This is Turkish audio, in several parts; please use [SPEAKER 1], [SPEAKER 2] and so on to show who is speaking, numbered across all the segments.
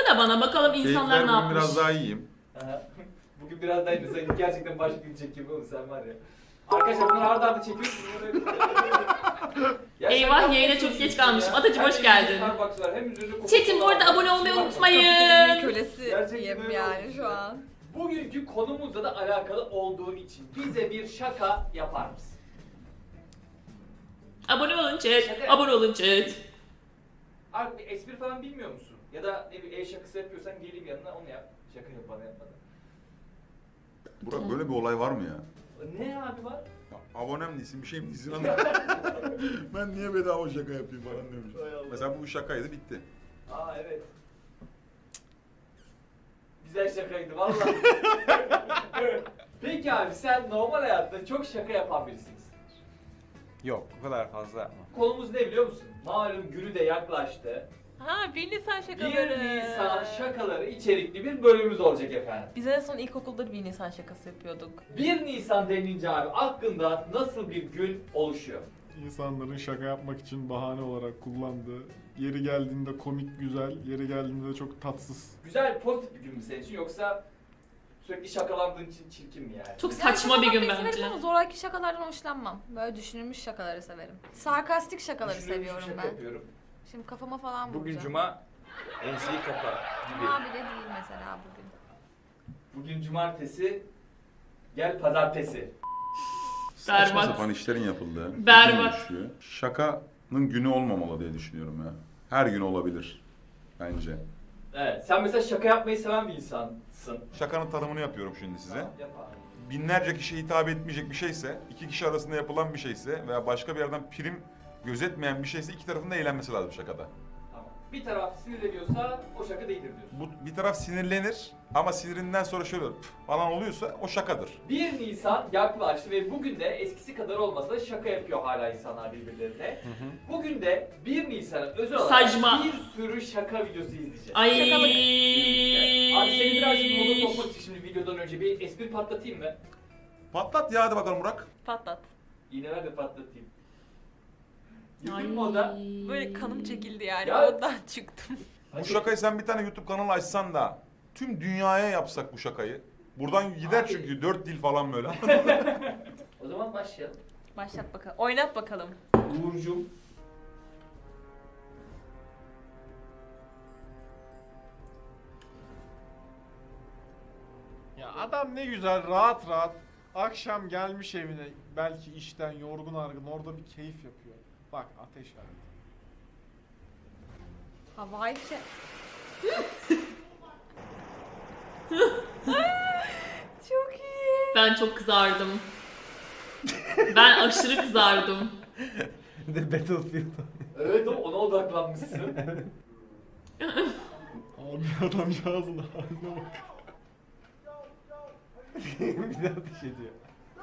[SPEAKER 1] da bana bakalım insanlar ne
[SPEAKER 2] Keyifler bugün
[SPEAKER 1] yapmış.
[SPEAKER 2] biraz daha iyiyim.
[SPEAKER 3] Aha. Bugün biraz daha iyi. Sen gerçekten başka gün çekiyor oğlum sen var ya. Arkadaşlar bunları arda arda çekiyorsunuz. Ya
[SPEAKER 1] Eyvah,
[SPEAKER 3] sen
[SPEAKER 1] yayına
[SPEAKER 3] yapmaya
[SPEAKER 1] çok geç
[SPEAKER 3] çalışıyorsun
[SPEAKER 1] kalmışım.
[SPEAKER 3] ya.
[SPEAKER 1] Atacığım,
[SPEAKER 3] Hem
[SPEAKER 1] hoş
[SPEAKER 3] elinde
[SPEAKER 1] geldin.
[SPEAKER 3] Starbucks var, hem üzerinde
[SPEAKER 1] Chat'im bu arada
[SPEAKER 3] Coca-Cola var.
[SPEAKER 1] abone olmayı
[SPEAKER 3] Bak,
[SPEAKER 1] unutmayın.
[SPEAKER 4] Kölesi
[SPEAKER 3] Gerçekten öyle
[SPEAKER 4] yani
[SPEAKER 3] olmuş
[SPEAKER 4] şu
[SPEAKER 3] ya.
[SPEAKER 4] an.
[SPEAKER 3] Bugünkü konumuzla da alakalı olduğu için bize bir şaka yapar mısın?
[SPEAKER 1] Abone olun chat.
[SPEAKER 3] Şaka.
[SPEAKER 1] Abone olun chat.
[SPEAKER 3] Abi bir espri falan bilmiyor musun? Ya da ne bileyim el şakası yapıyorsan geleyim yanına onu yap. Şaka yap bana yapmadan.
[SPEAKER 2] Burak böyle bir olay var mı ya?
[SPEAKER 3] Ne abi var?
[SPEAKER 2] Ya, abonem değilsin, bir şey mi değilsin ama ben niye bedava şaka yapayım falan demiş.
[SPEAKER 3] Hay Allah.
[SPEAKER 2] Mesela bu şakaydı, bitti.
[SPEAKER 3] Aa evet. Güzel şakaydı vallahi. Peki abi sen normal hayatta çok şaka yapan birisin.
[SPEAKER 5] Yok, o kadar fazla yapma.
[SPEAKER 3] Konumuz ne biliyor musun? Malum günü de yaklaştı.
[SPEAKER 4] Ha 1 Nisan
[SPEAKER 3] 1
[SPEAKER 4] şakaları.
[SPEAKER 3] Nisan şakaları içerikli bir bölümümüz olacak efendim.
[SPEAKER 4] Biz en son ilkokulda 1 Nisan şakası yapıyorduk.
[SPEAKER 3] 1 Nisan denince abi aklında nasıl bir gün oluşuyor?
[SPEAKER 6] İnsanların şaka yapmak için bahane olarak kullandığı, yeri geldiğinde komik güzel, yeri geldiğinde de çok tatsız.
[SPEAKER 3] Güzel, pozitif bir gün mü senin için yoksa sürekli şakalandığın için çirkin mi yani?
[SPEAKER 1] Çok saçma bir gün
[SPEAKER 4] şaka
[SPEAKER 1] bence.
[SPEAKER 4] severim ama zoraki şakalardan hoşlanmam. Böyle düşünülmüş şakaları severim. Sarkastik şakaları
[SPEAKER 3] Düşünülmüş bir
[SPEAKER 4] seviyorum
[SPEAKER 3] şaka
[SPEAKER 4] ben.
[SPEAKER 3] yapıyorum.
[SPEAKER 4] Şimdi kafama falan vuracağım.
[SPEAKER 5] Bugün cuma, enseyi kapa gibi.
[SPEAKER 4] Cuma bile değil mesela bugün.
[SPEAKER 3] Bugün cumartesi, gel pazartesi.
[SPEAKER 2] Saçma
[SPEAKER 1] Berbat.
[SPEAKER 2] sapan işlerin yapıldığı.
[SPEAKER 1] Berbat.
[SPEAKER 2] bir gün oluşuyor. Şakanın günü olmamalı diye düşünüyorum ya. Her gün olabilir bence.
[SPEAKER 3] Evet, sen mesela şaka yapmayı seven bir insansın.
[SPEAKER 2] Şakanın tanımını yapıyorum şimdi size.
[SPEAKER 3] Tamam, yap abi.
[SPEAKER 2] Binlerce kişiye hitap etmeyecek bir şeyse, iki kişi arasında yapılan bir şeyse veya başka bir yerden prim gözetmeyen bir şeyse iki tarafın da eğlenmesi lazım şakada.
[SPEAKER 3] Tamam. Bir taraf sinirleniyorsa o şaka değildir diyorsun.
[SPEAKER 2] Bir taraf sinirlenir ama sinirinden sonra şöyle "Pf" falan oluyorsa o şakadır.
[SPEAKER 3] 1 Nisan yaklaştı ve bugün de eskisi kadar olmasa da şaka yapıyor hala insanlar birbirlerine. Bugün de 1 Nisan'a özel olarak
[SPEAKER 1] Saçma.
[SPEAKER 3] bir sürü şaka videosu izleyeceğiz.
[SPEAKER 1] Ay.
[SPEAKER 3] Abi seni birazcık moda sokmak için şimdi videodan önce bir espri patlatayım mı?
[SPEAKER 2] Patlat ya, hadi bakalım Burak.
[SPEAKER 4] Patlat.
[SPEAKER 3] İğneler de patlatayım.
[SPEAKER 1] Ay.
[SPEAKER 3] Yürüdün moda.
[SPEAKER 4] Böyle kanım çekildi yani.
[SPEAKER 3] Ya-
[SPEAKER 4] Ondan çıktım.
[SPEAKER 2] Bu şakayı sen bir tane YouTube kanalı açsan da tüm dünyaya yapsak bu şakayı. Buradan gider
[SPEAKER 3] Abi.
[SPEAKER 2] çünkü 4 dil falan böyle.
[SPEAKER 3] O zaman başlayalım.
[SPEAKER 4] Başlat bakalım. Oynat bakalım.
[SPEAKER 3] Uğur'cum.
[SPEAKER 6] Ya adam ne güzel rahat rahat akşam gelmiş evine, belki işten yorgun argın, orada bir keyif yapıyor. Bak ateş var.
[SPEAKER 4] Havai fişek. Çok iyi.
[SPEAKER 1] Ben çok kızardım. Ben aşırı kızardım.
[SPEAKER 5] Bir de Battlefield.
[SPEAKER 3] Evet ona odaklanmışsın.
[SPEAKER 6] Abi adamcağızın haline bak.
[SPEAKER 5] Bir de ateş ediyor.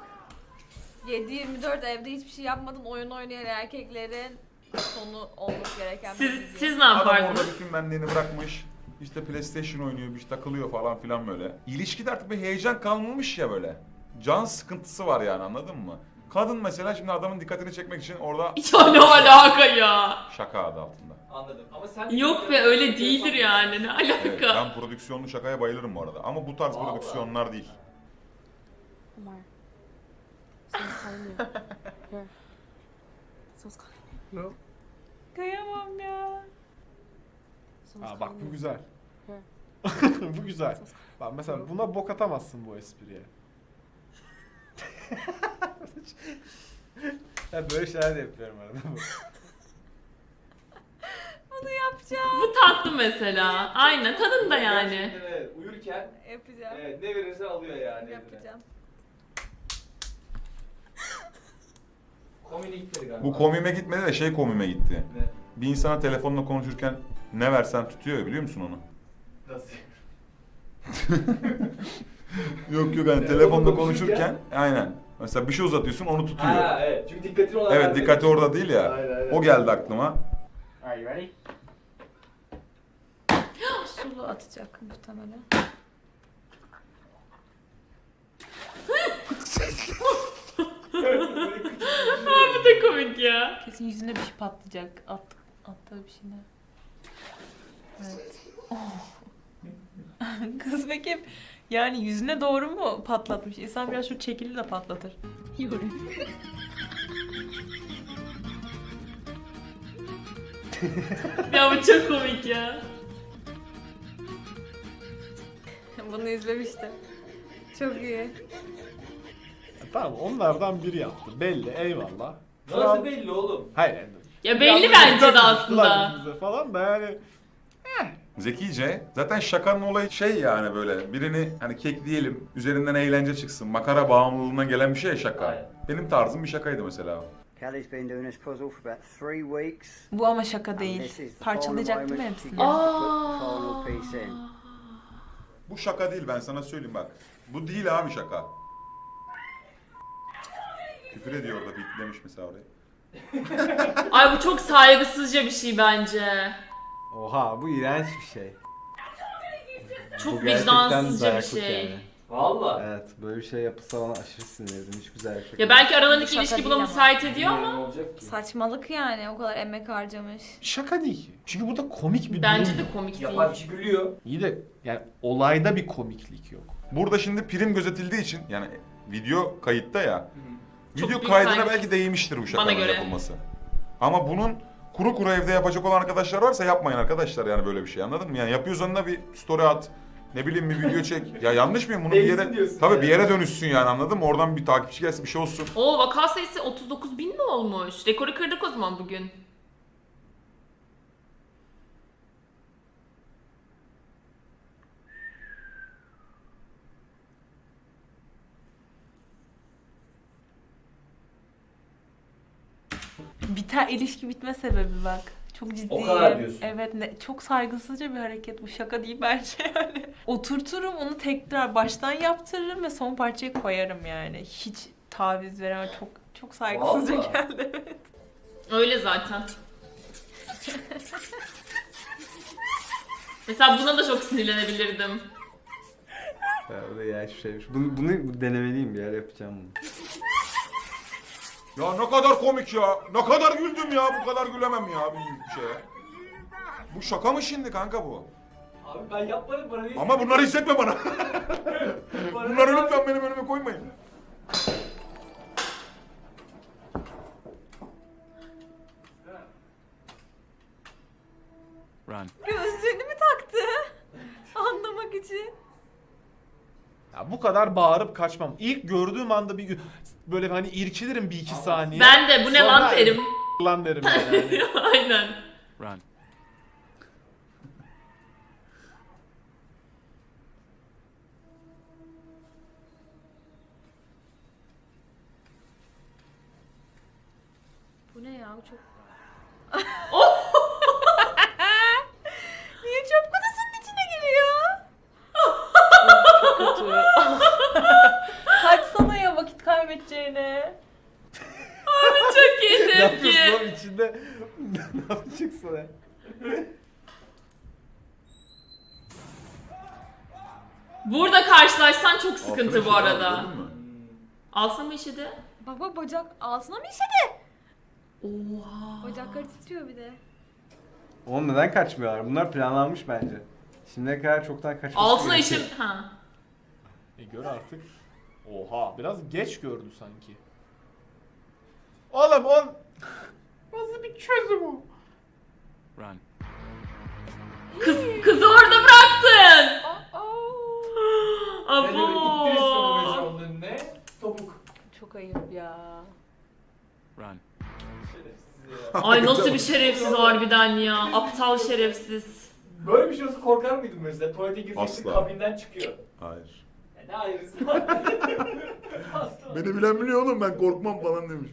[SPEAKER 4] 7-24 evde hiçbir şey yapmadan oyun oynayan erkeklerin sonu olması gereken bir video.
[SPEAKER 1] Siz ne
[SPEAKER 2] Adam orada
[SPEAKER 1] yapardınız?
[SPEAKER 2] bütün benliğini bırakmış. İşte PlayStation oynuyor, bir şey takılıyor falan filan böyle. İlişkide artık bir heyecan kalmamış ya böyle. Can sıkıntısı var yani, anladın mı? Kadın mesela şimdi adamın dikkatini çekmek için orada
[SPEAKER 1] Ya ne alaka ya?
[SPEAKER 2] şaka adı altında.
[SPEAKER 3] Anladım. Ama sen
[SPEAKER 1] Yok be, öyle değildir yani, ne
[SPEAKER 2] Evet,
[SPEAKER 1] alaka?
[SPEAKER 2] ben prodüksiyonlu şakaya bayılırım bu arada. Ama bu tarz
[SPEAKER 3] Vallahi.
[SPEAKER 2] prodüksiyonlar değil.
[SPEAKER 7] Omar. Someone's calling you. Here. Someone's calling you.
[SPEAKER 4] Kıyamam ya.
[SPEAKER 7] Someone's
[SPEAKER 6] Aa bak
[SPEAKER 7] calling
[SPEAKER 6] bu
[SPEAKER 7] you.
[SPEAKER 6] güzel.
[SPEAKER 7] Here.
[SPEAKER 6] Bu güzel. Bak mesela buna bok atamazsın bu espriye.
[SPEAKER 5] Ya böyle şeyler de yapıyorum arada.
[SPEAKER 4] Bunu yapacağım.
[SPEAKER 1] Bu tatlı mesela. Aynen, tadında yani.
[SPEAKER 3] Gerçekten evet, uyurken
[SPEAKER 4] Yapacağım.
[SPEAKER 3] evet, ne verirse alıyor yani. eline.
[SPEAKER 4] Yapacağım.
[SPEAKER 3] Komine gitmedi galiba.
[SPEAKER 2] Bu komime gitmedi de şey komime gitti.
[SPEAKER 3] Ne?
[SPEAKER 2] Bir insana telefonla konuşurken ne versen tutuyor ya, biliyor musun onu?
[SPEAKER 3] Nasıl?
[SPEAKER 2] Yok yok, hani telefonda konuşurken aynen. Mesela bir şey uzatıyorsun, onu tutuyor.
[SPEAKER 3] Ha evet, çünkü dikkatini ona
[SPEAKER 2] Evet,
[SPEAKER 3] vermedi.
[SPEAKER 2] dikkati orada değil ya.
[SPEAKER 3] Aynen, aynen.
[SPEAKER 2] O geldi aklıma.
[SPEAKER 5] Are you ready?
[SPEAKER 4] Sulu atacak muhtemelen.
[SPEAKER 1] Bu da komik ya.
[SPEAKER 4] Kesin yüzüne bir şey patlayacak. Attığı bir şeyler. Evet.
[SPEAKER 8] Kız peki yani yüzüne doğru mu patlatmış? İnsan biraz şu çekili de patlatır.
[SPEAKER 1] Ya bu çok komik ya.
[SPEAKER 4] Bunu izlemiştim. Çok iyi.
[SPEAKER 6] Tamam onlardan biri yaptı. Belli eyvallah.
[SPEAKER 3] Nasıl belli oğlum?
[SPEAKER 6] Hayır yani.
[SPEAKER 1] Ya belli
[SPEAKER 6] Yalnız
[SPEAKER 1] bence de
[SPEAKER 6] yaptılar
[SPEAKER 1] aslında.
[SPEAKER 6] bize falan da yani.
[SPEAKER 2] Zekice. Zaten şakanın olayı şey yani böyle birini hani kekleyelim, üzerinden eğlence çıksın, makara bağımlılığından gelen bir şey ya şaka.
[SPEAKER 3] Aynen.
[SPEAKER 2] Benim tarzım bir şakaydı mesela.
[SPEAKER 9] Kelly's been doing this puzzle for about 3 weeks.
[SPEAKER 8] Bu ama şaka
[SPEAKER 9] and
[SPEAKER 8] değil.
[SPEAKER 9] this is the final
[SPEAKER 8] Parçalayacaktım
[SPEAKER 9] moment
[SPEAKER 8] hepsini.
[SPEAKER 9] she gets to put the final piece in.
[SPEAKER 2] Bu şaka değil ben sana söyleyeyim bak. Bu değil abi şaka. Küfür ediyor orada bitlemiş mesela orayı.
[SPEAKER 1] Ay bu çok saygısızca bir şey bence.
[SPEAKER 5] Oha bu iğrenç bir şey.
[SPEAKER 1] Çok
[SPEAKER 5] Bu gerçekten
[SPEAKER 1] vicdansızca bir
[SPEAKER 5] dayaklık
[SPEAKER 1] şey.
[SPEAKER 5] yani.
[SPEAKER 3] Valla.
[SPEAKER 5] Evet böyle bir şey yapılsa ona aşırı sinirlendim. Hiç güzel bir şey.
[SPEAKER 1] Ya belki aralarındaki
[SPEAKER 4] Şaka
[SPEAKER 1] ilişki
[SPEAKER 4] değil
[SPEAKER 1] buna
[SPEAKER 4] ama.
[SPEAKER 1] müsait ediyor ama
[SPEAKER 3] Ne olacak ki?
[SPEAKER 4] Saçmalık yani, o kadar emek harcamış.
[SPEAKER 6] Şaka değil ki. Çünkü burada komik bir
[SPEAKER 1] bence
[SPEAKER 6] durum
[SPEAKER 1] de
[SPEAKER 6] yok.
[SPEAKER 1] komik değil.
[SPEAKER 3] Yapan kişi gülüyor.
[SPEAKER 6] İyi de yani olayda bir komiklik yok.
[SPEAKER 2] Burada şimdi prim gözetildiği için yani video kayıtta ya.
[SPEAKER 1] Çok
[SPEAKER 2] Video
[SPEAKER 1] büyük
[SPEAKER 2] kaydına
[SPEAKER 1] saygısız.
[SPEAKER 2] belki değmiştir bu şakanın
[SPEAKER 1] göre.
[SPEAKER 2] yapılması. Ama bunun kuru kuru evde yapacak olan arkadaşlar varsa yapmayın arkadaşlar yani böyle bir şey anladın mı? Yani yapıyorsan da bir story at. Ne bileyim bir video çek. Ya yanlış mıyım? Bunu bir
[SPEAKER 3] Değilsin
[SPEAKER 2] yere
[SPEAKER 3] diyorsun
[SPEAKER 2] tabii
[SPEAKER 3] yani.
[SPEAKER 2] bir yere dönüşsün yani anladın mı? Oradan bir takipçi gelsin bir şey olsun.
[SPEAKER 1] Oo vaka sayısı 39.000 mi olmuş? Rekoru kırdık o zaman bugün.
[SPEAKER 8] Biter ilişki bitme sebebi bak. Çok ciddi.
[SPEAKER 3] O kadar diyorsun.
[SPEAKER 8] Evet çok saygısızca bir hareket bu. Şaka değil bence yani. Oturturum onu tekrar baştan yaptırırım ve son parçayı koyarım yani. Hiç taviz veremem. Çok saygısızca
[SPEAKER 3] Vallahi.
[SPEAKER 8] geldi. Evet.
[SPEAKER 1] Öyle zaten. Mesela buna da çok sinirlenebilirdim.
[SPEAKER 5] Ya, o da iğrenç bir şeymiş. Bunu denemeliyim bir yer yapacağım bunu.
[SPEAKER 2] Ya ne kadar komik ya. Ne kadar güldüm ya. Bu kadar gülemem ya bir şeye. Bu şaka mı şimdi kanka bu?
[SPEAKER 3] Abi ben yapmadım bana ne
[SPEAKER 2] Ama bunları hissetme bana. Bunları lütfen benim önüme koymayın.
[SPEAKER 4] Gözlüğünü mü taktı? Anlamak için.
[SPEAKER 6] Ya bu kadar bağırıp kaçmam. İlk gördüğüm anda bir böyle hani irkilirim bir iki saniye.
[SPEAKER 1] Ben de bu ne lan
[SPEAKER 6] Sonra
[SPEAKER 1] derim.
[SPEAKER 6] lan derim yani.
[SPEAKER 1] Aynen.
[SPEAKER 4] Bu ne ya? Bu çok... Niye çöp kutusunun içine giriyor?
[SPEAKER 8] Çok kötü. Kaçsana ya vakit kaybedeceğine.
[SPEAKER 1] Çok iyi
[SPEAKER 5] Ne yapıyorsun
[SPEAKER 1] tepki.
[SPEAKER 5] oğlum içinde? Ne yapacaksın ya?
[SPEAKER 1] Burada karşılaşsan çok sıkıntı bu
[SPEAKER 2] Altına şey
[SPEAKER 1] arada.
[SPEAKER 2] var, gördün mü?
[SPEAKER 1] Altına mı işedi?
[SPEAKER 4] Baba bacak altına mı işedi?
[SPEAKER 1] Oha.
[SPEAKER 4] Bacakları titriyor bir de.
[SPEAKER 5] Oğlum neden kaçmıyorlar? Bunlar planlanmış bence. Şimdiye kadar çoktan kaçmış.
[SPEAKER 1] Altına işim... Ha.
[SPEAKER 6] Gör artık. Oha biraz geç gördü sanki. Oğlum on... Nasıl bir çözüm o?
[SPEAKER 1] Kızı orada bıraktın.
[SPEAKER 3] Ben öyle ittirirsin o
[SPEAKER 1] Abo.
[SPEAKER 3] onun önüne. Topuk.
[SPEAKER 8] Çok ayıp ya.
[SPEAKER 3] Şerefsiz ya.
[SPEAKER 1] Ay nasıl bir şerefsiz harbiden ya. Aptal şerefsiz.
[SPEAKER 3] Böyle bir şey olsa korkar mıydın mesela? Tuvalete gireceksin
[SPEAKER 2] Asla.
[SPEAKER 3] kabinden çıkıyor.
[SPEAKER 2] Hayır.
[SPEAKER 3] Ya ne ayrısı? Asla.
[SPEAKER 2] Beni bilen biliyor oğlum ben korkmam falan demiş.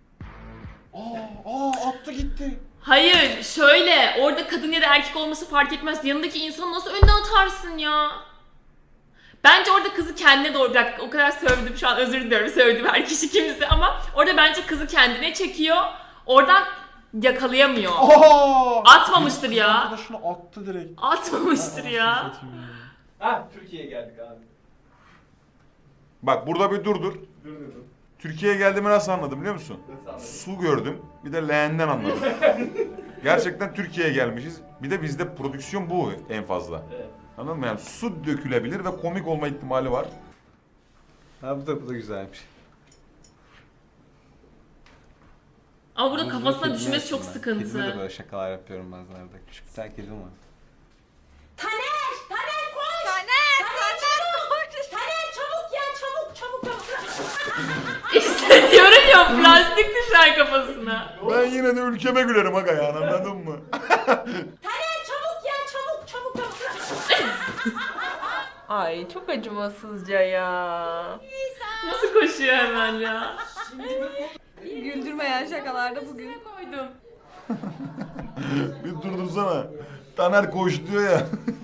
[SPEAKER 6] Attı gitti.
[SPEAKER 1] Hayır şöyle orada kadın ya da erkek olması fark etmez. Yanındaki insanı nasıl önüne atarsın ya? Bence orada kızı kendine doğru bırak. O kadar sövdüm şu an özür diliyorum sövdüm her kişi kimse ama orada bence kızı kendine çekiyor. Oradan yakalayamıyor. Atmamıştır ya.
[SPEAKER 6] Arkadaşını attı direkt.
[SPEAKER 1] Atmamıştır ya.
[SPEAKER 3] Ha Türkiye'ye geldik abi.
[SPEAKER 2] Bak burada bir dur.
[SPEAKER 3] Dur.
[SPEAKER 2] Türkiye'ye geldiğimi nasıl anladım biliyor musun?
[SPEAKER 3] Nasıl anladın?
[SPEAKER 2] Su gördüm. Bir de leğenden anladım. Gerçekten Türkiye'ye gelmişiz. Bir de bizde prodüksiyon bu en fazla.
[SPEAKER 3] Evet.
[SPEAKER 2] Anladın mı? Yani su dökülebilir ve komik olma ihtimali var.
[SPEAKER 5] Ha bu da güzelmiş.
[SPEAKER 1] Ama burada
[SPEAKER 5] Bunu
[SPEAKER 1] kafasına
[SPEAKER 5] kedime
[SPEAKER 1] düşmesi çok
[SPEAKER 5] yaptım ben. Kedime de
[SPEAKER 1] sıkıntı.
[SPEAKER 5] böyle şakalar yapıyorum bazenlerde. Küçük bir tane kedim var.
[SPEAKER 1] İşte diyorum ya plastik düşer kafasına.
[SPEAKER 2] Ben yine de ülkeme gülerim aga ya, anladın mı?
[SPEAKER 8] Ay çok acımasızca ya.
[SPEAKER 1] Nasıl koşuyor hemen ya.
[SPEAKER 4] Güldürmeyen şakalarda bugün.
[SPEAKER 1] Koydum.
[SPEAKER 2] Bir durdursana. Taner koş diyor ya.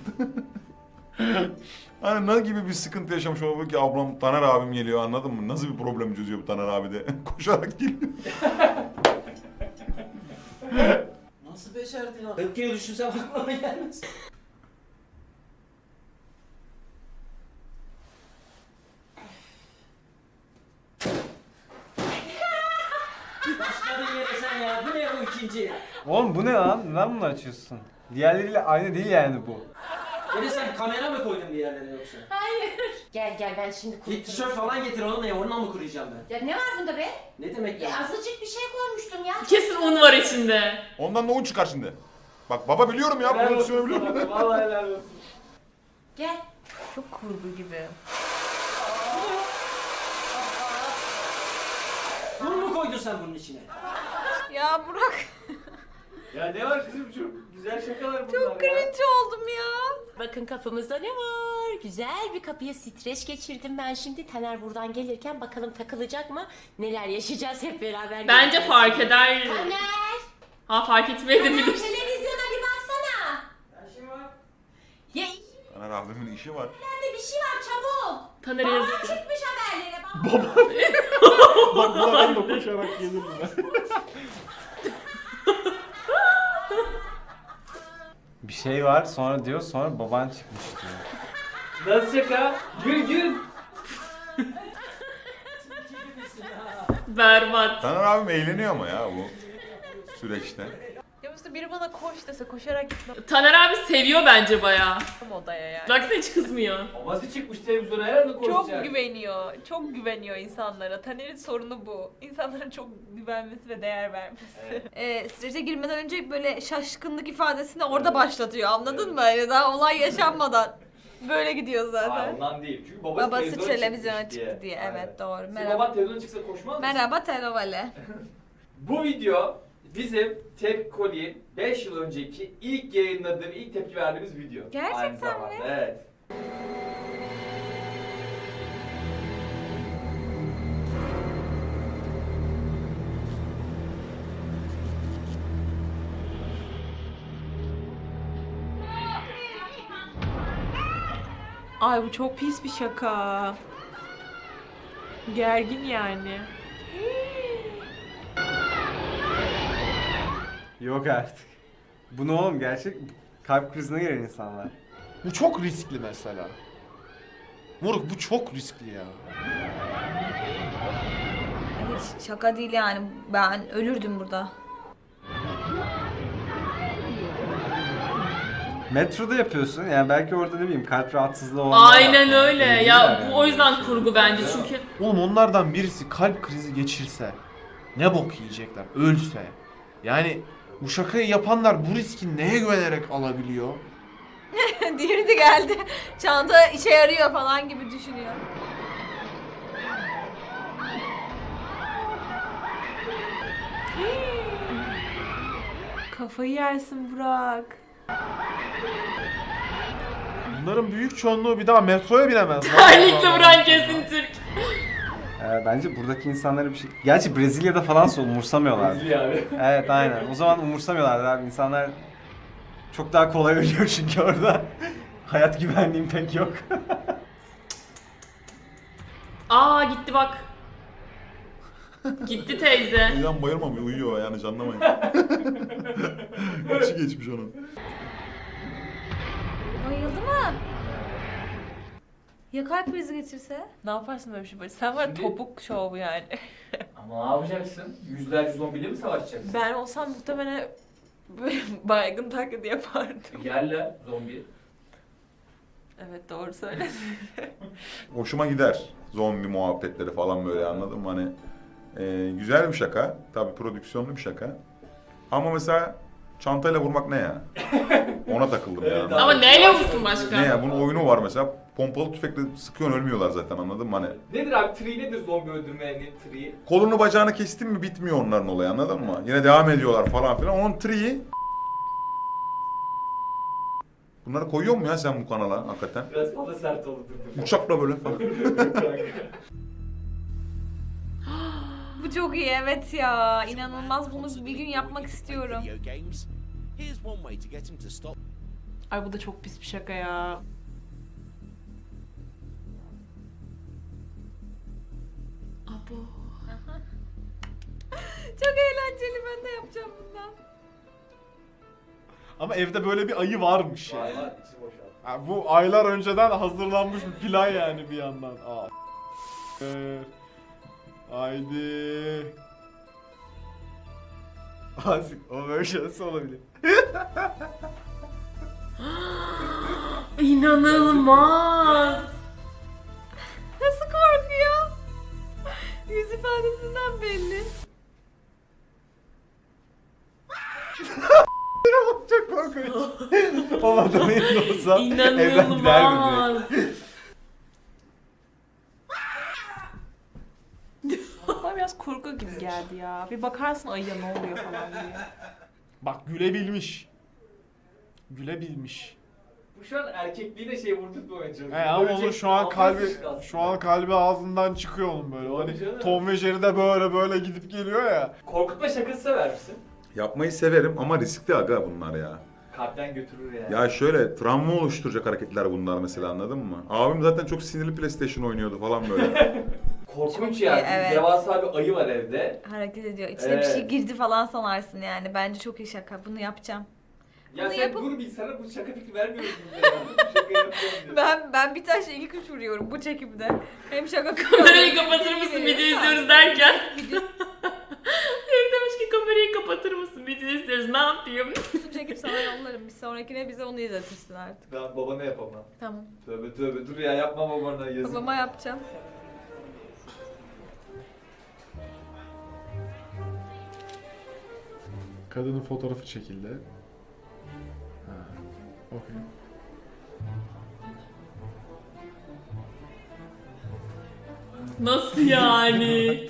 [SPEAKER 2] Hani ne gibi bir sıkıntı yaşamış olabilir ki ablam, Taner abim geliyor, anladın mı? Nasıl bir problem çözüyor bu Taner abi de? Koşarak geliyor.
[SPEAKER 10] Nasıl becerdin lan? 40 kere düşünsem aklıma gelmez. Başladın yere sen ya. Bu ne bu ikinci?
[SPEAKER 5] Oğlum bu ne lan? Neden bunu açıyorsun? Diğerleriyle aynı değil yani bu.
[SPEAKER 10] Yine sen kamera mı koydun bir yerlere yoksa?
[SPEAKER 11] Gel gel ben şimdi
[SPEAKER 10] Git
[SPEAKER 11] kurutayım.
[SPEAKER 10] tişört falan getir oğlum ya. Onunla mı kuruyacağım ben?
[SPEAKER 11] Ya ne var bunda be?
[SPEAKER 10] Ne demek ya?
[SPEAKER 11] Ya azıcık bir şey koymuştum ya.
[SPEAKER 1] Kesin un var içinde.
[SPEAKER 2] Ondan da un çıkar şimdi. Bak baba biliyorum ya,
[SPEAKER 3] Helal
[SPEAKER 2] prodüksiyonu
[SPEAKER 3] olsun
[SPEAKER 2] biliyorum.
[SPEAKER 3] sana, vallahi helal olsun.
[SPEAKER 11] Gel.
[SPEAKER 8] Çok kurgu gibi.
[SPEAKER 10] Bunu mu koydun sen bunun içine?
[SPEAKER 4] Ya Burak
[SPEAKER 3] Ya ne var kızım, çok güzel şakalar bunlar
[SPEAKER 4] çok
[SPEAKER 3] ya.
[SPEAKER 4] cringe oldum ya.
[SPEAKER 11] Bakın kapımızda ne var? Güzel bir kapıya streç geçirdim ben şimdi. Taner buradan gelirken bakalım takılacak mı? Neler yaşayacağız hep beraber.
[SPEAKER 1] Bence
[SPEAKER 11] göreceğiz.
[SPEAKER 1] fark eder.
[SPEAKER 11] Taner!
[SPEAKER 1] Ha fark etmeyebilir.
[SPEAKER 11] Televizyona bir baksana. Ya
[SPEAKER 2] Taner abimin işi var.
[SPEAKER 11] içeride bir şey var çabuk.
[SPEAKER 1] Taner
[SPEAKER 11] Baba
[SPEAKER 1] yazık.
[SPEAKER 11] çıkmış haberlere bak.
[SPEAKER 6] Bak bu adam da koşarak gelir buna.
[SPEAKER 5] Bir şey var sonra diyor, sonra baban çıkmış diyor.
[SPEAKER 3] Nasıl şaka? Gül gül.
[SPEAKER 1] Berbat.
[SPEAKER 2] Taner abim eğleniyor ama ya bu süreçte.
[SPEAKER 8] Ya mesela biri bana koş dese koşarak gitmem
[SPEAKER 1] Taner abi seviyor bence bayağı.
[SPEAKER 8] odaya yani.
[SPEAKER 1] Baksana hiç kızmıyor.
[SPEAKER 3] Babası çıkmış televizyona, herhalde
[SPEAKER 8] Çok
[SPEAKER 3] konuşacak.
[SPEAKER 8] güveniyor. Çok güveniyor insanlara. Taner'in sorunu bu. İnsanların çok güvenmesi ve değer vermesi.
[SPEAKER 4] Strese girmeden önce böyle şaşkınlık ifadesini orada başlatıyor, anladın mı? Yani daha olay yaşanmadan. Böyle gidiyor
[SPEAKER 3] Hayır,
[SPEAKER 4] zaten.
[SPEAKER 3] ondan değil. Çünkü babası,
[SPEAKER 4] Babası televizyona
[SPEAKER 3] çıkmış
[SPEAKER 4] çıktı diye.
[SPEAKER 3] Aynen.
[SPEAKER 4] Evet doğru.
[SPEAKER 3] Senin
[SPEAKER 4] Merhaba.
[SPEAKER 3] baban televizyona çıksa koşmaz mısın?
[SPEAKER 4] Merhaba Telovale.
[SPEAKER 3] Bu video bizim Tepkoli'nin 5 yıl önceki ilk yayınladığım, ilk tepki verdiğimiz video.
[SPEAKER 4] Gerçekten
[SPEAKER 3] Aynı zamanda,
[SPEAKER 4] mi?
[SPEAKER 3] Evet.
[SPEAKER 8] Ay bu çok pis bir şaka. Gergin yani.
[SPEAKER 5] Yok artık. Bu ne oğlum, gerçek kalp krizine giren insanlar.
[SPEAKER 6] Bu çok riskli mesela. Moruk bu çok riskli ya.
[SPEAKER 4] Hiç şaka değil yani. Ben ölürdüm burada.
[SPEAKER 5] Metroda yapıyorsun yani, belki orada ne bileyim kalp rahatsızlığı olanlar
[SPEAKER 1] Aynen
[SPEAKER 5] var.
[SPEAKER 1] öyle.
[SPEAKER 5] Öyle
[SPEAKER 1] Ya
[SPEAKER 5] değiller
[SPEAKER 1] bu o
[SPEAKER 5] yani.
[SPEAKER 1] yüzden kurgu bence çünkü.
[SPEAKER 6] Oğlum onlardan birisi kalp krizi geçirse ne bok yiyecekler, ölse. Yani bu şakayı yapanlar bu riski neye güvenerek alabiliyor?
[SPEAKER 4] Diğeri de geldi. Çanta işe yarıyor falan gibi düşünüyor.
[SPEAKER 8] Kafayı yersin Burak.
[SPEAKER 6] Bunların büyük çoğunluğu bir daha metroya binemez.
[SPEAKER 1] Terlikle vuran kesin Türk.
[SPEAKER 5] Bence buradaki insanlara bir şey... Gerçi Brezilya'da falan umursamıyorlar.
[SPEAKER 3] Rezil abi.
[SPEAKER 5] Evet aynen. O zaman umursamıyorlar abi. İnsanlar çok daha kolay ölüyor çünkü orada. Hayat güvenliğim pek yok.
[SPEAKER 1] Aa gitti bak. Gitti teyze.
[SPEAKER 2] Uyuyan bayılmamıyor, uyuyor yani, anlamayın. İçi geçmiş onun.
[SPEAKER 4] Bayıldı mı? Ya kalp krizi geçirse?
[SPEAKER 8] Ne yaparsın böyle bir şey? Sen var
[SPEAKER 3] Şimdi-
[SPEAKER 8] topuk şov yani.
[SPEAKER 3] Ama ne yapacaksın? Yüzlerce zombiyle mi savaşacaksın?
[SPEAKER 8] Ben olsam muhtemelen böyle baygın taklidi yapardım.
[SPEAKER 3] Gel lan zombi.
[SPEAKER 8] Evet doğru söyledin.
[SPEAKER 2] Hoşuma gider zombi muhabbetleri falan böyle, anladın mı? Hani güzel bir şaka. Tabii prodüksiyonlu bir şaka. Ama mesela çantayla vurmak ne ya? Ona takıldım
[SPEAKER 3] Evet,
[SPEAKER 2] yani.
[SPEAKER 3] abi.
[SPEAKER 1] Ama neyle vursun başka?
[SPEAKER 2] Ne ya? Bunun oyunu var mesela. Pompalı tüfekle sıkıyorsun, ölmüyorlar zaten, anladın mı? Hani
[SPEAKER 3] Nedir abi? Tree nedir zombi öldürmenin tree'i?
[SPEAKER 2] kolunu bacağını kestin mi bitmiyor onların olayı, anladın mı? Yine devam ediyorlar falan filan. Onun tree'i... Bunları koyuyor mu ya sen bu kanala hakikaten?
[SPEAKER 3] Biraz fazla sert oldu.
[SPEAKER 2] Uçakla böyle falan.
[SPEAKER 4] Bu çok iyi, evet ya. İnanılmaz, bunu bir gün yapmak istiyorum.
[SPEAKER 8] Ay bu da çok pis bir şaka ya.
[SPEAKER 1] Abo.
[SPEAKER 4] Çok eğlenceli, ben de yapacağım bundan.
[SPEAKER 6] Ama evde böyle bir ayı varmış yani.
[SPEAKER 3] Valla içi boşaldı.
[SPEAKER 6] Ha, bu aylar önceden hazırlanmış bir plan yani bir yandan. Aa. Haydi. Azıcık o böyle şey nasıl olabilir?
[SPEAKER 1] İnanılmaz.
[SPEAKER 4] Nasıl korkuyor? Yüz ifadesinden belli.
[SPEAKER 6] Çok korkunç. O adamın yerinde olsam evden giderdim
[SPEAKER 1] İnanılmaz.
[SPEAKER 6] direkt.
[SPEAKER 8] Bana biraz korku gibi geldi ya. Bir bakarsın ayıya ne oluyor falan diye.
[SPEAKER 6] Bak gülebilmiş. Gülebilmiş.
[SPEAKER 3] Bu şu an erkekliğine şey vurdurtmamaya çalışıyor.
[SPEAKER 6] Ama onun şu an kalbi
[SPEAKER 3] aslında.
[SPEAKER 6] ağzından çıkıyor onun böyle.
[SPEAKER 3] Tabii
[SPEAKER 6] Hani
[SPEAKER 3] canım.
[SPEAKER 6] Tom ve Jerry de böyle gidip geliyor ya.
[SPEAKER 3] Korkutma şakası sever misin?
[SPEAKER 2] Yapmayı severim ama riskli aga bunlar ya.
[SPEAKER 3] Kalpten götürür yani.
[SPEAKER 2] Ya şöyle travma oluşturacak hareketler bunlar mesela, anladın mı? Abim zaten çok sinirli PlayStation oynuyordu falan böyle.
[SPEAKER 3] Korkunç
[SPEAKER 4] Çok
[SPEAKER 3] yani.
[SPEAKER 4] iyi, evet.
[SPEAKER 3] Devasa bir ayı var evde.
[SPEAKER 4] Hareket ediyor. İçine bir şey
[SPEAKER 3] Evet.
[SPEAKER 4] girdi falan sanarsın yani. Bence çok iyi şaka. Bunu yapacağım.
[SPEAKER 3] Ya
[SPEAKER 4] Bunu
[SPEAKER 3] sen
[SPEAKER 4] yapıp-
[SPEAKER 3] dur bir sana bu şaka fikri vermiyoruz biz de ya. Bu şaka yapacağım diyor.
[SPEAKER 4] Ben bir taşla iki kuş vuruyorum bu çekimde. Hem şaka
[SPEAKER 1] Kamerayı kapatır mısın video izliyoruz derken.
[SPEAKER 4] Video
[SPEAKER 1] Biri demiş ki kamerayı kapatır mısın video izliyoruz, ne yapayım?
[SPEAKER 4] çekip sana yollarım. Bir sonrakine bize onu izletirsin artık.
[SPEAKER 3] Ben babana yapamam.
[SPEAKER 4] Tamam.
[SPEAKER 3] Tövbe dur ya, yapma babana yazık.
[SPEAKER 4] Babama yapacağım.
[SPEAKER 6] Kadının fotoğrafı çekildi. Ha. Okey.
[SPEAKER 1] Nasıl yani?
[SPEAKER 12] Damen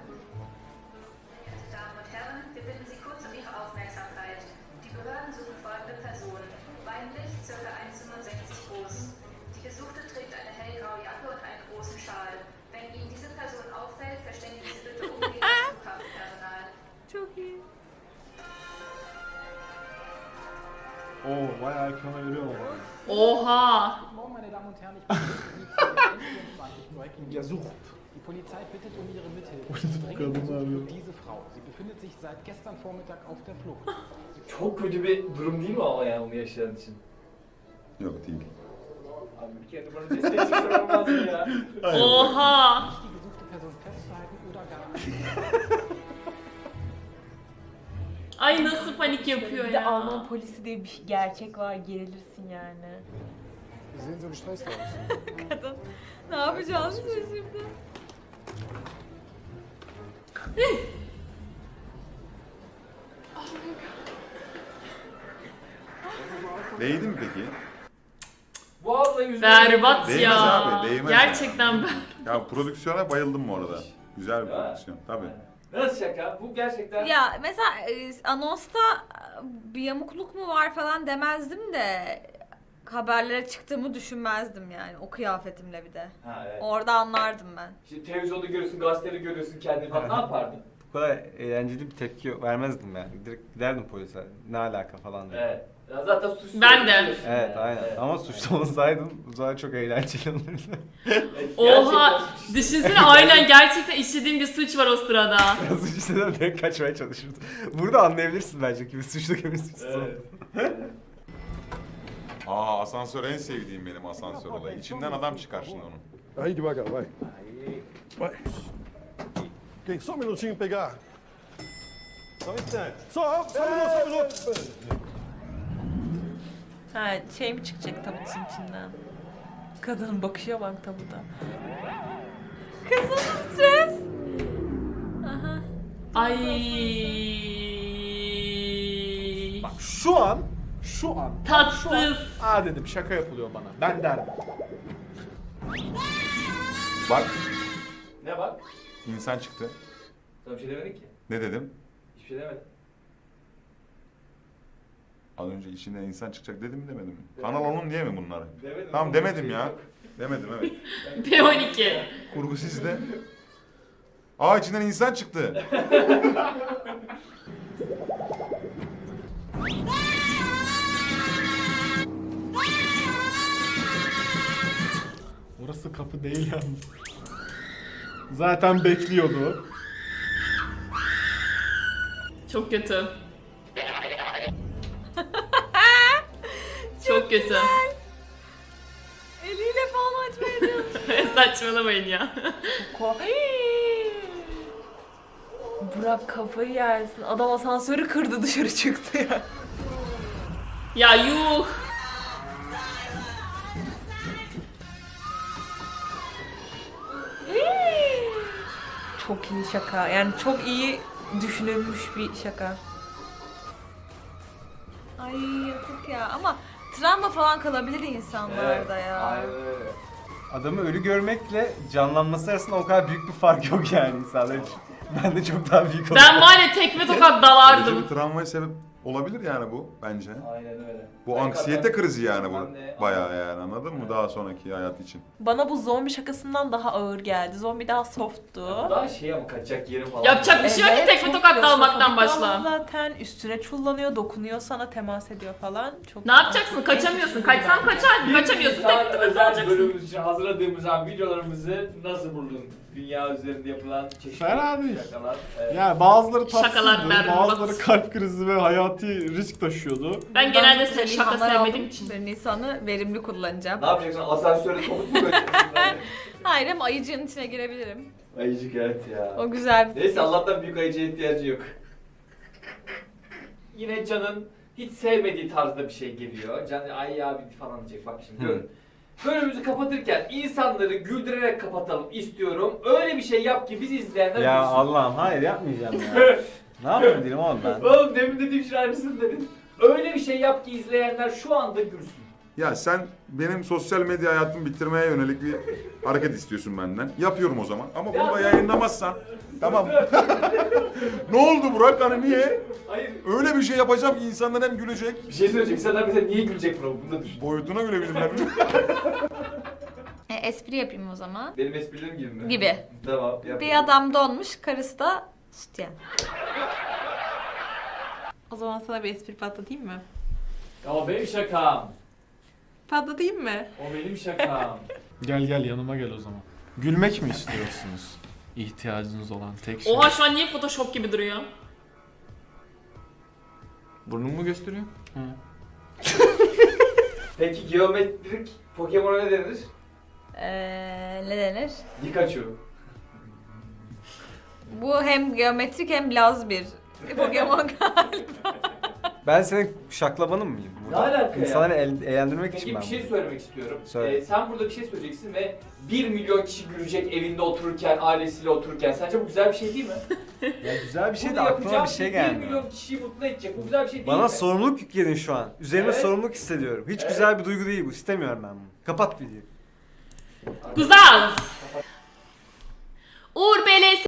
[SPEAKER 12] und Herren, wir bitten Sie kurz um Ihre Aufmerksamkeit. Die Behörden suchen folgende Person. Weiblich, ca. 1,65 groß. Die Gesuchte trägt eine hellgraue Jacke und einen großen Schal. Wenn Ihnen diese Person auffällt, verständigen Sie bitte umgehend das Flughafenpersonal.
[SPEAKER 4] Çok iyi.
[SPEAKER 6] Oo bayağı ekrana veriyorlar.
[SPEAKER 1] Oha.
[SPEAKER 10] Morgen, meine Damen und Herren, ich bin gesucht. Die Polizei bittet um Ihre Mithilfe. Dringend gesucht wird diese Frau. Sie befindet sich seit gestern Vormittag auf der Flucht.
[SPEAKER 3] Çok kötü bir durum değil mi ama yani onu yaşayan için?
[SPEAKER 2] Yok değil.
[SPEAKER 3] Abi bir kere bana destek olmaz mı ya?
[SPEAKER 1] Oha.
[SPEAKER 10] Nicht die gesuchte Person festzuhalten oder gar
[SPEAKER 1] Ay nasıl panik yapıyor
[SPEAKER 8] Bir de
[SPEAKER 1] ya.
[SPEAKER 8] Alman polisi diye bir gerçek var, gerilirsin yani.
[SPEAKER 10] Sie sehen so gestresst aus.
[SPEAKER 4] Kadın. Ne yapacağız biz şimdi?
[SPEAKER 2] Değdi mi peki?
[SPEAKER 3] Bu abla yüzüne...
[SPEAKER 1] Berbat
[SPEAKER 2] Değmez
[SPEAKER 1] ya.
[SPEAKER 2] abi, değmez
[SPEAKER 1] Gerçekten ben.
[SPEAKER 2] Ya prodüksiyona bayıldım bu arada. Güzel bir
[SPEAKER 3] Ya.
[SPEAKER 2] prodüksiyon tabii.
[SPEAKER 3] Nasıl şaka? Bu gerçekten...
[SPEAKER 4] Ya mesela anonsta bir yamukluk mu var falan demezdim de haberlere çıktığımı düşünmezdim yani o kıyafetimle bir de.
[SPEAKER 3] Ha evet.
[SPEAKER 4] Orada anlardım ben.
[SPEAKER 3] Şimdi televizyonda görüyorsun, gazetede görüyorsun kendini falan. Ne yapardın?
[SPEAKER 5] Bu kadar eğlenceli bir tepki vermezdim yani. Direkt giderdim polise. Ne alaka falan diye.
[SPEAKER 3] Evet. Ya zaten suçlu.
[SPEAKER 1] Ben de.
[SPEAKER 3] oluyorsun
[SPEAKER 5] Evet
[SPEAKER 3] yani.
[SPEAKER 5] aynen.
[SPEAKER 3] Evet.
[SPEAKER 5] Ama suçlu olsaydım bu zaman çok eğlenceli olurdu.
[SPEAKER 3] Evet,
[SPEAKER 1] Oha.
[SPEAKER 3] gerçekten suçlu.
[SPEAKER 1] Düşünsene aynen gerçekten işlediğim bir suç var o sırada.
[SPEAKER 5] Suç istesem direkt kaçmaya çalışırdım. Burada anlayabilirsin bence kimi suçlu kimi suçsuz
[SPEAKER 3] Evet.
[SPEAKER 5] olduğunu.
[SPEAKER 2] Aa, asansör en sevdiğim benim, asansör olayı. İçinden adam çıkar şimdi onun.
[SPEAKER 13] Aí devagar, vai. Vai. Ok, só um minutinho pegar. Só um instante. Só um minuto.
[SPEAKER 8] Ha şey mi çıkacak tabutun içinden? Kadının bakışa bak tabuda.
[SPEAKER 4] Kızım stres. Aha.
[SPEAKER 1] Ay.
[SPEAKER 6] Bak şu an
[SPEAKER 1] Tatsız.
[SPEAKER 6] aa dedim şaka yapılıyor bana. Ben derdim.
[SPEAKER 2] Bak
[SPEAKER 3] Ne bak?
[SPEAKER 2] insan çıktı.
[SPEAKER 3] Sana bir şey demedik ki.
[SPEAKER 2] Ne dedim?
[SPEAKER 3] Hiçbir şey demedim.
[SPEAKER 2] Az önce içinden insan çıkacak dedim mi demedim mi? Kanal onun diye mi bunları?
[SPEAKER 3] Demedim.
[SPEAKER 2] Tamam demedim ya. Demedim evet.
[SPEAKER 1] P12.
[SPEAKER 2] Kurgu sizde. Aa içinden insan çıktı.
[SPEAKER 6] Orası kapı değil yalnız. Zaten bekliyordu.
[SPEAKER 1] Çok kötü. Çok kötü.
[SPEAKER 4] Eliyle falan açmaya çalışıyor.
[SPEAKER 1] Saçmalamayın ya.
[SPEAKER 8] Burak kafayı yersin. Adam asansörü kırdı dışarı çıktı ya.
[SPEAKER 1] Ya yuh.
[SPEAKER 8] Çok iyi şaka. Yani çok iyi düşünülmüş bir şaka.
[SPEAKER 4] Ay yazık ya ama travma falan kalabilir insanlarda ya.
[SPEAKER 3] Aynen öyle.
[SPEAKER 5] Adamı ölü görmekle canlanması arasında o kadar büyük bir fark yok yani insanlar için. Ben de çok daha büyük
[SPEAKER 1] Ben var ya tekme tokat
[SPEAKER 2] Böylece
[SPEAKER 1] dalardım.
[SPEAKER 2] bir travmaya sebep olabilir yani bu bence.
[SPEAKER 3] Aynen öyle.
[SPEAKER 2] Bu anksiyete krizi yani bu. Bayağı yani anladın mı daha sonraki hayat için.
[SPEAKER 8] Bana bu zombi şakasından daha ağır geldi. Zombi daha softtu.
[SPEAKER 3] Daha şey ama kaçacak yerim falan.
[SPEAKER 1] Yapacak bir şey yok ki tekme
[SPEAKER 8] çok
[SPEAKER 1] tokat dalmaktan
[SPEAKER 8] klostrofobik
[SPEAKER 1] başla.
[SPEAKER 8] ama zaten üstüne çullanıyor, dokunuyor sana, temas ediyor falan. Çok
[SPEAKER 1] Ne yapacaksın? Kaçamıyorsun. Kaçsan kaçar. Kaçamıyorsun.
[SPEAKER 3] Daha
[SPEAKER 1] Tekme tokat
[SPEAKER 3] özel
[SPEAKER 1] alacaksın.
[SPEAKER 3] bölümümüz için hazırladığımız videolarımızı nasıl buldun? Dünya üzerinde yapılan çeşitli
[SPEAKER 6] Fena değil.
[SPEAKER 3] şakalar. Evet.
[SPEAKER 6] Yani bazıları
[SPEAKER 1] Şakalar
[SPEAKER 6] tatsızdı,
[SPEAKER 1] berbat.
[SPEAKER 6] bazıları kalp krizi ve hayati risk taşıyordu.
[SPEAKER 1] Ben genelde
[SPEAKER 4] Güzel
[SPEAKER 1] şaka
[SPEAKER 4] ilhamlar
[SPEAKER 1] sevmediğim
[SPEAKER 4] aldım.
[SPEAKER 1] için.
[SPEAKER 4] Bir Nisan'ı verimli kullanacağım.
[SPEAKER 3] Ne yapacaksın? Asansöre sokup mu götüreceksin?
[SPEAKER 4] Hayır ama ayıcığın içine girebilirim.
[SPEAKER 3] Ayıcık evet ya.
[SPEAKER 4] O güzel bir
[SPEAKER 3] Neyse Allah'tan büyük ayıcıya ihtiyacı yok. Yine Can'ın hiç sevmediği tarzda bir şey geliyor. Can ay abi falan diyecek bak şimdi görün. Bölümümüzü kapatırken insanları güldürerek kapatalım istiyorum. Öyle bir şey yap ki biz izleyenler
[SPEAKER 5] Ya
[SPEAKER 3] gülsün.
[SPEAKER 5] Allah'ım hayır yapmayacağım ya. Ne yapayım dedim oğlum ben.
[SPEAKER 3] Oğlum demin dediğim şey aynısını dedin. Öyle bir şey yap ki izleyenler şu anda gülsün.
[SPEAKER 2] Ya sen benim sosyal medya hayatımı bitirmeye yönelik bir hareket istiyorsun benden. Yapıyorum o zaman. Ama bunu da yayınlamazsan. Tamam. Ne oldu Burak? Hani niye?
[SPEAKER 3] Hayır.
[SPEAKER 2] Öyle bir şey yapacağım ki insanlar hem gülecek.
[SPEAKER 3] Bir şey söyleyecek. İnsanlar bize niye gülecek bro? Bunu da düşün.
[SPEAKER 2] Boyutuna gülebilirler.
[SPEAKER 4] espri yapayım o zaman.
[SPEAKER 3] Benim esprilerim gibi mi?
[SPEAKER 4] Gibi.
[SPEAKER 3] Tamam. Yap.
[SPEAKER 4] Bir adam donmuş, karısı da sütyen.
[SPEAKER 8] O zaman sana bir espri patlatayım mı?
[SPEAKER 3] O benim şakam.
[SPEAKER 8] Patlatayım mı?
[SPEAKER 3] O benim şakam.
[SPEAKER 6] Gel yanıma gel o zaman. Gülmek mi istiyorsunuz? İhtiyacınız olan tek şey.
[SPEAKER 1] Oha şu an niye Photoshop gibi duruyor?
[SPEAKER 6] Burnumu mu gösteriyor? Hı.
[SPEAKER 3] Peki geometrik Pokemon'a ne denir?
[SPEAKER 4] Ne denir?
[SPEAKER 3] Pikachu.
[SPEAKER 4] Bu hem geometrik hem laz bir Pokemon galiba.
[SPEAKER 5] Ben senin şaklabanın mıyım?
[SPEAKER 3] Ne alaka ya?
[SPEAKER 5] İnsanları eğlendirmek için
[SPEAKER 3] Peki
[SPEAKER 5] ben
[SPEAKER 3] bir şey
[SPEAKER 5] buradayım.
[SPEAKER 3] söylemek istiyorum.
[SPEAKER 5] Söyle.
[SPEAKER 3] Sen burada bir şey söyleyeceksin ve 1 milyon kişi gülecek evinde otururken, ailesiyle otururken. Sence bu güzel bir şey değil mi?
[SPEAKER 5] Ya güzel bir şey de
[SPEAKER 3] Burada
[SPEAKER 5] aklıma bir
[SPEAKER 3] yapacağım
[SPEAKER 5] şey
[SPEAKER 3] 1
[SPEAKER 5] gelmiyor.
[SPEAKER 3] milyon kişiyi mutlu edecek. Bu güzel bir şey değil
[SPEAKER 5] Bana
[SPEAKER 3] mi?
[SPEAKER 5] sorumluluk yükledin şu an. Üzerime
[SPEAKER 3] Evet.
[SPEAKER 5] sorumluluk hissediyorum. Hiç
[SPEAKER 3] Evet.
[SPEAKER 5] güzel bir duygu değil bu. İstemiyorum ben bunu. Kapat videoyu.
[SPEAKER 1] Güzel.